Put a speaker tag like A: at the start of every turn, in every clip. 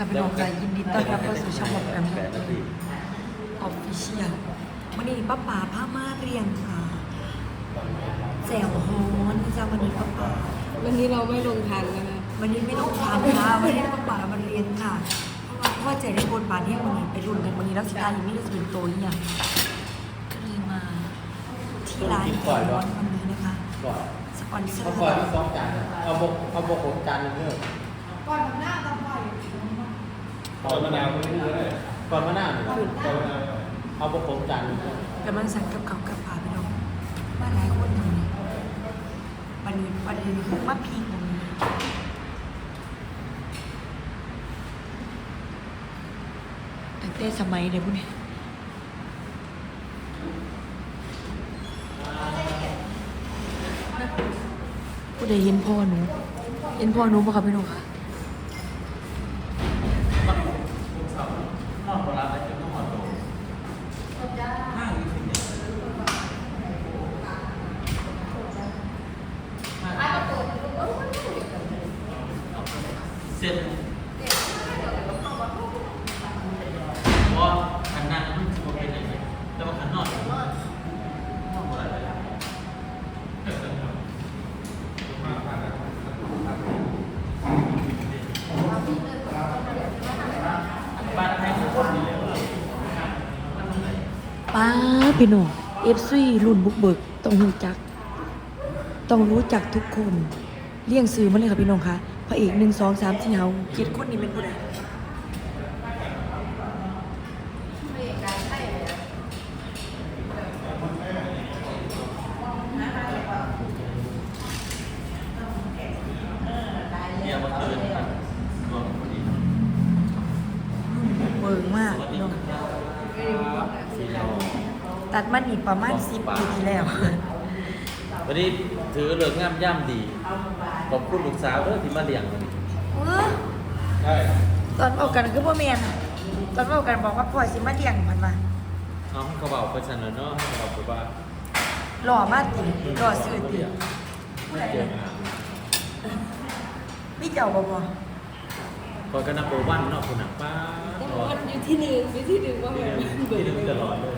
A: ค่ะพี่น้องใจยินดีต้อนรับเข้าสู่ช่องของแอมออฟฟิเชียลวันนี้ป้าป๋าพามาเรียงค่ะแจ่วฮอนนะจ๊ะวันนี้ป้าป๋า
B: วันนี้เราไม่ลงทันแล้วนะ
A: วันนี้ไม่ต้องทานค่ะวันนี้ป้าป๋ามาเรียงค่ะเพราะว่าใจได้บนบานที่วันนี้ไปรุ่นกันวันนี้รักษายังไม่ได้เป็นตัวอย่างก็เลยมาที่ร้านฮอนวันนี้นะคะสปอนเซอร์
C: ก่อนที่2 จานเอาบก6 จานนึงเด้อ
D: ก่อนทำหน้าทำไฟ
C: ก่อนมะนาวก่อนมะนาวเอาบก6 จานนึง
A: กำลังสั่งกับเขากับป่าพี่น้องว่าหลายคนทำนี่วันนี้ประเด็นคือมาพีกตรงนี้ตั้งแต่สมัยเดี๋ยวพวกนี้ผู้ใดเห็นพ่อหนูเห็นพ่อหนูปะครับพี่น้องค่ะ
C: นอกเวลาไปจะต้องมาโตห้างอยู่ที่นี่เสร็จว่าขันนั่งมันจะเป็นยังไงแต่ว่าขันนอกอะไรบ้านไทยทุกคนนี่เลย
A: ป้าพี่น้องเอฟซีรุ่นบุกเบิกต้องรู้จัก ต้องรู้จักทุกคนเลี่ยงซื้อมาเลยค่ะพี่น้องคะพระเอก1 2 3 4เฮา7 คนนี้เป็นผู้ใด
C: เนี่ยมาคืนรวมพอดี
A: เบิร์มากพี่น้องตัดมันอีกประมาณ10 ปีที่แล้ว
C: วันนี้ถือเลิกงามย่ำดีขอบคุณลูกสาวด้วยที่มาเลี้ยงวันนี้ใช่
A: ตอนเอากันคือพ่อแม่นตอนเอากันบอกว่าพ่อสิมาเลี้ยงมันมา
C: น้องเขาบอกไปเสนอเนาะเขาบอกไปว่า
A: หล่อมากติหล่อซื่อติผู้ใด
C: เดี๋ยว
A: พี่เจ้าบ่พอ
C: คอยกันนับโปรวันเนาะคุณหนักป้า
B: วันอยู่ที่หนึ่งว่าแบบ
C: ที่ดึงตลอดเลย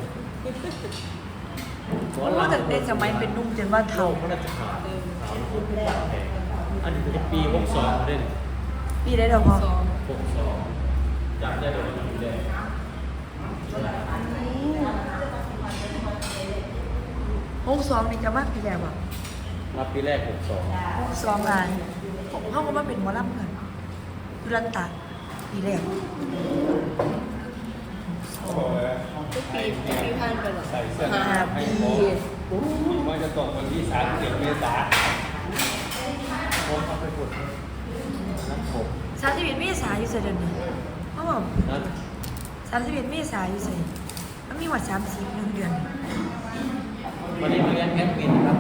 A: โอ้ตั้งแต่สมัยเป็นหนุ่มจนว่า
C: เท่า
A: เฒ่า
C: พระราชทานสาวลูกเป็นปากแดงอันนี้เป็นปี62เด่น
A: พี่ได้ดอกพอ
C: 62จำได้เลยปีแรก
A: 62นี่ก็มากพี่แล้วบ่
C: รับปีแรก62
A: 62อ่ะเฮาก็มาเป็นหมอลำกันยุรันตะปีแรก
B: ทุกปีผ่านไปหรอ
E: ใส่เสื้อ
A: 5 ปี
E: มันจะตกวันที่31 เมษายน
C: ผมเอาไปขุดน้ำผม
A: 31 เมษายนอยู่ไสเดือนนี้อ๋อ
C: นั่น
A: 31 เมษายนอยู่ไสมันมีว่า30นึงเดือน
C: วันนี้มาเรียนแอดมินครับ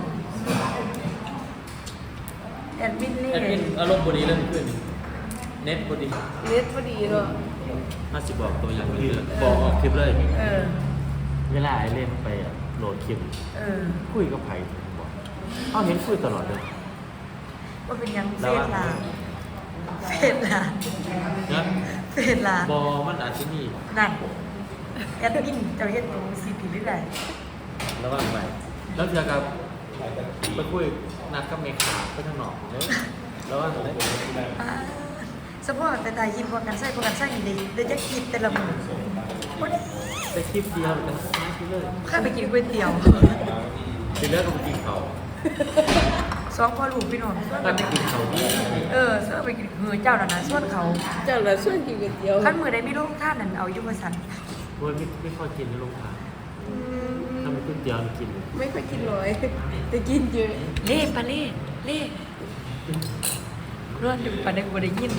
A: แอดมินนี่
C: แอดมินอารมณ์บดีเริ่มขึ้นเน็ตบดี
B: เล็ดพอดีเนาะ
C: 50บอกตัวอย่างนี้เลยบอกออกคลิปเลย
A: เออ
C: เวลาไอ้เล่นไปอะโหลดคลิป
A: เออ
C: คุยกับไผ่บอกเขาเห็นคุยตลอดเลย
A: ว่าเป็นหยังเฟ
C: แล้ว
A: ซ
C: ว่า
A: ลาเฟซลา
C: นะ
A: เฟซลา
C: บอมันอาจจะมี
A: นั่นแอดมินเจ้าเฮ็ดตรงสิผิดหรือไง
C: ระวังไปแล้วเจอกับไปคุยนัดกับเมขาไปทางนอกเลยระวังเลย
A: สปอร์ตแต่ตายยินพอกันใส่พอกันใส่ดีเดี๋ยวจะคิดแต่ละมือวันนี้
C: ไปคลิปเดียวกันสักนิดเลย
A: ข้าไปกินก๋วยเตี๋ยว
C: ทีเลิกก็ไปกินเขา
A: สองพ่อลูกพี่น้อง
C: ก็ไปกินเขาที่
A: ส่วนไปกินเจ้านั่นน่ะส่วนเขา
B: เจ้าละส่วนกินก๋วยเตี๋ยว
A: ขั้นมือใดไม่รู้ท่านนั่นเอายุบสัน
C: โดยไม่ค่อยกินในโรงทานถ้าเป็นก๋วยเตี๋ยวกิน
B: ไม่ค่อยกินน้อยแต่กินเยอะ
A: เล่ปะเล่ร้อนอยู่ปะเด็กบ่ได้ยิน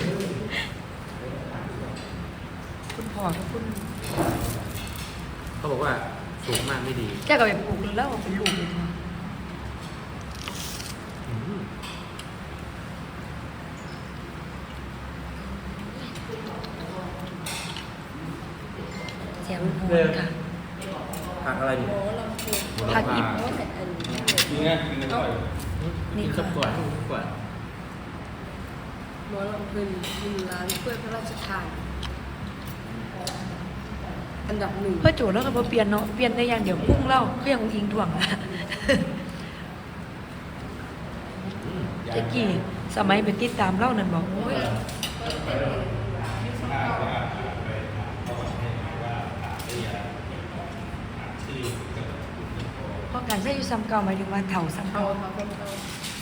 A: คุณพ่อกับคุณ
C: เขาบอกว่าสูงมากไม่ดี
A: แกก็ไปปลูกแล้วเป็นลูกเลยค่ะ
C: อืม
A: แซ่บโหดค่ะ
C: ผักอะไรอยู่
B: โอ้เราคือ
A: ผักอี
B: เพราะว่าแต่อันนี้
E: กินง่ายกินง่าย
C: กินสับก่อนสับก่อน
B: หมอลำเป็น1 ล้านถ้วยพระราชทานอันดับ 1
A: เพื่อโจทย์แล้วก็บ่เปลี่ยนเนาะเปลี่ยนได้อย่างเดียวพุ่งเล่าเครื่องอิงถ่วงอะเจ๊กี้สมัยเป็นติดตามเล่านั่นบอกโอ้ยเพราะการใช้อยู่ซ้ำเก่าหมายถึงว่าเถ่าซ้ำ
B: เอา
A: เก่า
B: มาคนเอา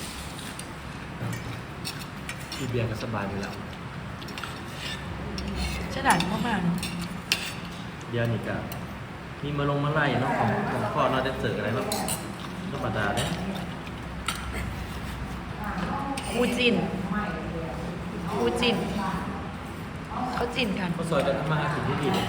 C: อีเบียร์ก็สบายอยู่แล้ว
A: ฉลาดมากๆเนาะ
C: เดี๋ยวนี่ก็มีมาไล่เนาะของพ่อเราได้เจออะไรเนาะธรรมดาเนี่ย
A: คู่จินคู่จินเขาจินกัน
C: เขาซอยกันทำมาหากินที่ดี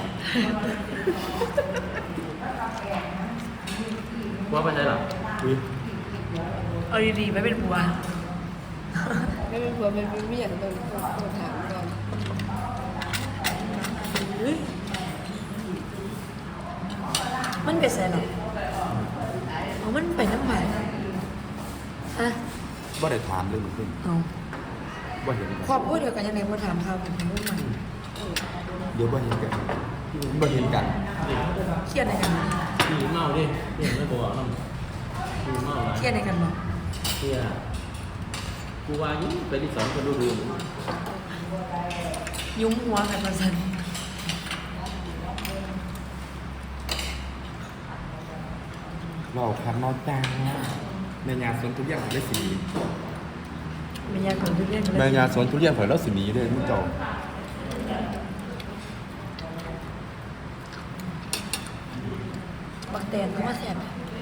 C: ว่าไปไหนหรออุ้ย
A: เอาดีๆไม่เป็นผัว
B: ไม่เป็นผัวเป็นเมียต้องถามก่อน
A: มันเป็นไงหรอเอามันไปน้ำหวานอะ
F: บ่ได้ถามเลยมันขึ้น
A: เอา
F: บ่เห็นกัน
A: ครอบครัวเดียวกันยังไงมาถามข่าวเป็นใครรุ่นใหม่
F: เดี๋ยวบ่เห็นกันบ่เห็นกัน
A: เครียดอะไรกันบ้าง
C: พี่เมาดิพี่ไม่บอกน้องพี่เมาอะไร
A: เครียดอะไรกันบ้าง
C: เที่ยกูว่ายิ่งไปที่สองก็ดู
A: ยุ้มหัวกันมาสัน
F: เราคันนอนจ้างในงานสวนทุเรียนของได้สี
A: เป็นยาของทุเรียน
F: ในงานสวนทุเรียนของเราสีนี้เลยมึงเจ้า
A: บักแตนเขาว่าแสบ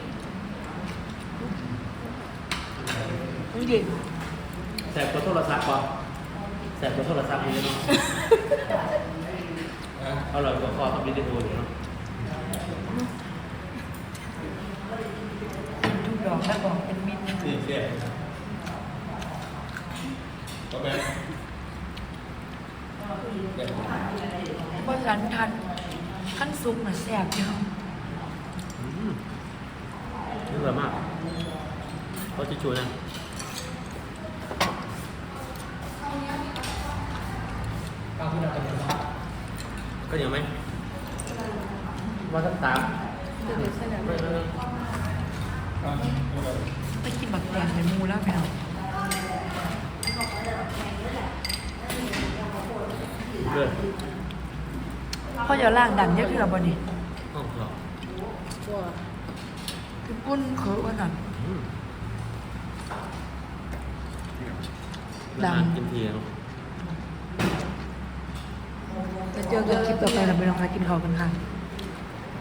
A: มันเย็น
C: แสบตัวโทรศัพท์ป่ะแสบตัวโทรศัพท์นี่เนาะเอาหล่อตัวคอต้องวิดีโออยู่เนาะ
A: ทุกดอกแล้วบอกเป็นมิตร
E: ที่เสียก็แบบ
A: เพราะฉะนั้นทันขั้นซุปน่ะแสบเยอะ
C: นี่สวยมากเขาจะช่วยนะก็ยังไหมว่าสักตาม
B: จะเป็นสนาม
A: ไปกินบักแตนเป็นมูแล้วไปเอา
C: เพื่อ
A: เพราะอย่าล่างดันเยอะขึ้นหรอบอนี่
C: ห้องเรา
B: ว่า
A: คือปุ้นเคือว่านั่น
C: นานกินทีเนาะ
A: จะเจอกันคลิปต่อไปเราไปลองไปกินข้าวกันค่ะ